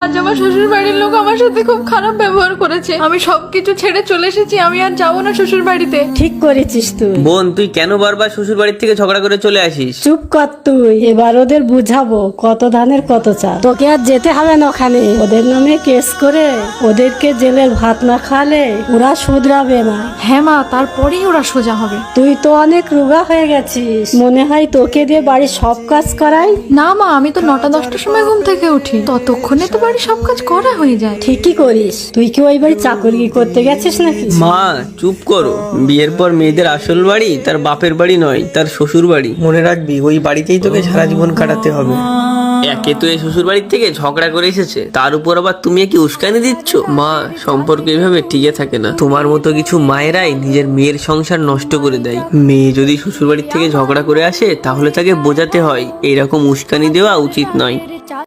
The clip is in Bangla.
আজ আমার শ্বশুর বাড়ির লোক আমার সাথে খুব খারাপ ব্যবহার করেছে। আমি সবকিছু ছেড়ে চলে এসেছি, আমি আর যাবো না শ্বশুর বাড়িতে। ঠিক করেছিস তুই। বোন, তুই কেন বারবার শ্বশুর বাড়ির থেকে ঝগড়া করে চলে আসিস? চুপ কর তুই, এবার ওদের বুঝাবো কত ধানের কত চাল। তোকে আর যেতে হবে না ওখানে, ওদের নামে কেস করে ওদেরকে জেলের ভাত না খাওয়ালে ওরা শুধরাবে না। হ্যাঁ মা, তারপরেই ওরা সোজা হবে। তুই তো অনেক রোগা হয়ে গেছিস, মনে হয় তোকে দিয়ে বাড়ির সব কাজ করাই। না মা, আমি তো 9টা-10টার সময় ঘুম থেকে উঠি, ততক্ষণে তো বাড়ির সব কাজ করা হয়ে যায়। ঠিকই করিস। তুই কি ওই বাড়ি চাকরি করতে গেছিস নাকি? মা চুপ করো। বিয়ের পর মেয়েদের আসল বাড়ি তার বাপের বাড়ি নয়, তার শ্বশুর বাড়ি। মনে রাখবি, ওই বাড়িতেই তোকে সারা জীবন কাটাতে হবে। একে তো এই শ্বশুর বাড়ির থেকে ঝগড়া করে এসেছে, তার উপর আবার তুমি কি উস্কানি দিচ্ছ? মা, সম্পর্ক এভাবে টিকে থাকে না। তোমার মতো কিছু মায়েরাই নিজের মেয়ের সংসার নষ্ট করে দেয়। মেয়ে যদি শ্বশুর বাড়ির থেকে ঝগড়া করে আসে, তাহলে তাকে বোঝাতে হয় এরকম উস্কানি দেওয়া উচিত নয়।